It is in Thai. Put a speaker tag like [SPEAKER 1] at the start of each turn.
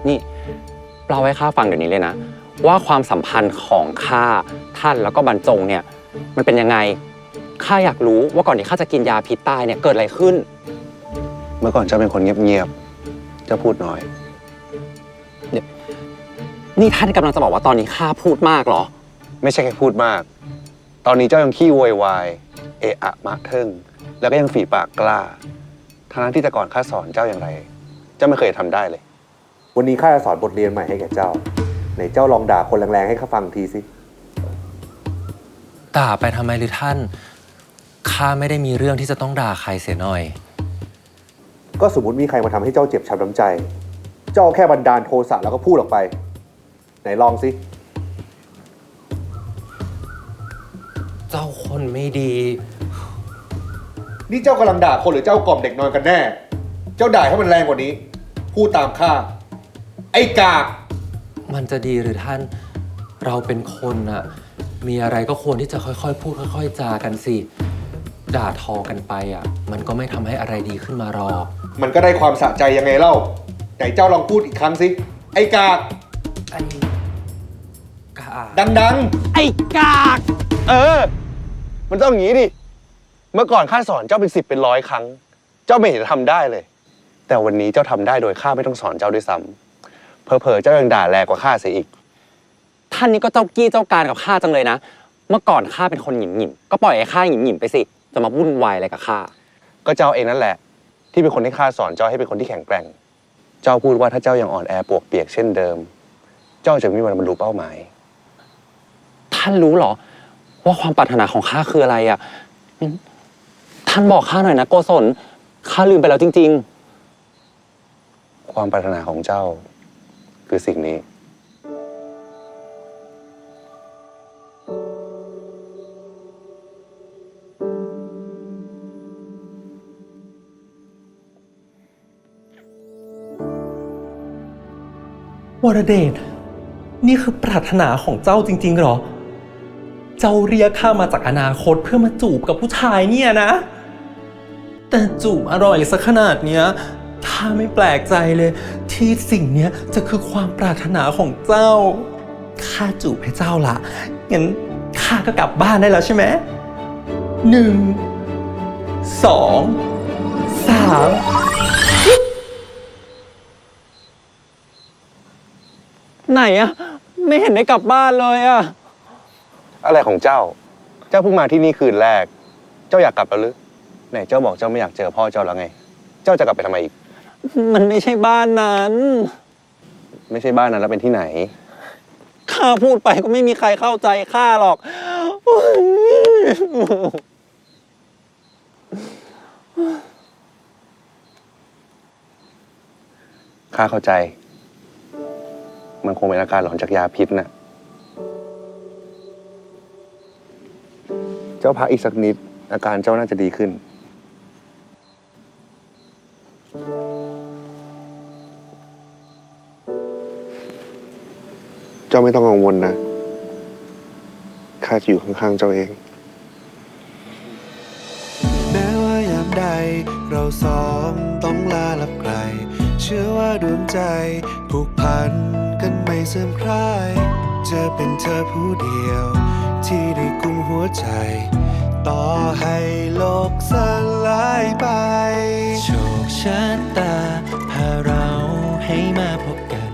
[SPEAKER 1] นี่เราให้ข้าฟังเดี๋ยวนี้เลยนะว่าความสัมพันธ์ของข้าท่านแล้วก็บรรจงเนี่ยมันเป็นยังไงข้าอยากรู้ว่าก่อนที่ข้าจะกินยาพิษตายเนี่ยเกิดอะไรขึ้น
[SPEAKER 2] เมื่อก่อนเจ้าเป็นคนเงียบๆเจ้าพูดน้อย
[SPEAKER 1] นี่ท่านกำลังจะบอกว่าตอนนี้ข้าพูดมากเหรอ
[SPEAKER 2] ไม่ใช่แค่พูดมากตอนนี้เจ้ายังขี้โวยวายเอะอะมะเทิงแล้วก็ยังฝีปากกล้าทั้งที่แต่ก่อนข้าสอนเจ้าอย่างไรเจ้าไม่เคยทำได้เลย
[SPEAKER 3] วันนี้ข้าจะสอนบทเรียนใหม่ให้แก่เจ้าไหนเจ้าลองด่าคนแรงๆให้ข้าฟังทีสิ
[SPEAKER 4] ด่าไปทำไมหรือท่านข้าไม่ได้มีเรื่องที่จะต้องด่าใครเสียหน่อย
[SPEAKER 3] ก็สมมติมีใครมาทำให้เจ้าเจ็บช้ำน้ำใจเจ้าแค่บันดาลโทสะแล้วก็พูดออกไปไหนลองสิ
[SPEAKER 4] เจ้าคนไม่ดี
[SPEAKER 3] นี่เจ้ากำลังด่าคนหรือเจ้ากล่อมเด็กนอนกันแน่เจ้าด่าให้มันแรงกว่านี้พูดตามข้าไอ้กาก
[SPEAKER 4] มันจะดีหรือท่านเราเป็นคนอะมีอะไรก็ควรที่จะค่อยๆพูดค่อยๆจากันสิด่าทอกันไปอะมันก็ไม่ทำให้อะไรดีขึ้นมาหรอก
[SPEAKER 3] มันก็ได้ความสะใจยังไงเล่าไหนเจ้าลองพูดอีกครั้งสิไอ้กาก
[SPEAKER 4] ไอ้กาก
[SPEAKER 3] ดัง
[SPEAKER 1] ๆไอ้กาก
[SPEAKER 2] มันต้องอย่างนี้ดิเมื่อก่อนข้าสอนเจ้าเป็น10เป็น100ครั้งเจ้าไม่เห็นทำได้เลยแต่วันนี้เจ้าทำได้โดยข้าไม่ต้องสอนเจ้าด้วยซ้ำเผลอๆเจ้ายังด่าแรงกว่าข้าเสียอีก
[SPEAKER 1] ท่านนี่ก็เจ้ากี้เจ้าการกับข้าจังเลยนะเมื่อก่อนข้าเป็นคนหยิ่มๆก็ปล่อยให้ข้าหยิ่มๆไปสิจะมาวุ่นวายอะไรกับข้า
[SPEAKER 2] ก็เจ้าเองนั่นแหละที่เป็นคนที่ข้าสอนเจ้าให้เป็นคนที่แข็งแกร่งเจ้าพูดว่าถ้าเจ้ายังอ่อนแอปวกเปียกเช่นเดิมเจ้าจะไม่มีวันบรรลุเป้าหมาย
[SPEAKER 1] ท่านรู้เหรอว่าความปรารถนาของข้าคืออะไรอ่ะท่านบอกข้าหน่อยนะโกศลข้าลืมไปแล้วจริง
[SPEAKER 2] ๆความปรารถนาของเจ้าคือสิ่งนี้
[SPEAKER 5] วรเดชนี่คือปรารถนาของเจ้าจริงๆหรอเจ้าเรียกข้ามาจากอนาคตเพื่อมาจูบกับผู้ชายเนี่ยนะแต่จูบอร่อยสักขนาดเนี้ยข้าไม่แปลกใจเลยที่สิ่งเนี้ยจะคือความปรารถนาของเจ้าข้าจูบให้เจ้าละงั้นข้าก็กลับบ้านได้แล้วใช่ไหม1 2 3
[SPEAKER 1] ไหนอะไม่เห็นได้กลับบ้านเลยอะ
[SPEAKER 2] อะไรของเจ้าเพิ่งมาที่นี่คืนแรกเจ้าอยากกลับแล้วหรือไหนเจ้าบอกเจ้าไม่อยากเจอพ่อเจ้าแล้วไงเจ้าจะกลับไปทำไมอีก
[SPEAKER 1] มันไม่ใช่บ้านนั้น
[SPEAKER 2] ไม่ใช่บ้านนั้นแล้วเป็นที่ไหน
[SPEAKER 1] ข้าพูดไปก็ไม่มีใครเข้าใจข้าหรอก
[SPEAKER 2] ข้าเข้าใจมันคงเป็นอาการหลอนจากยาพิษน่ะเจ้าพักอีกสักนิดอาการเจ้าน่าจะดีขึ้นเจ้าไม่ต้องกังวลนะข้าจะอยู่ข้างๆเจ้าเอง
[SPEAKER 6] แม้ว่ายามใดเราสองต้องลาลับไกลเชื่อว่าดวงใจผูกพันกันไม่เสื่อมคลายจะเป็นเธอผู้เดียวที่ได้กุมหัวใจต่อให้โลกสลายไป
[SPEAKER 4] โชคชะตาพาเราให้มาพบกัน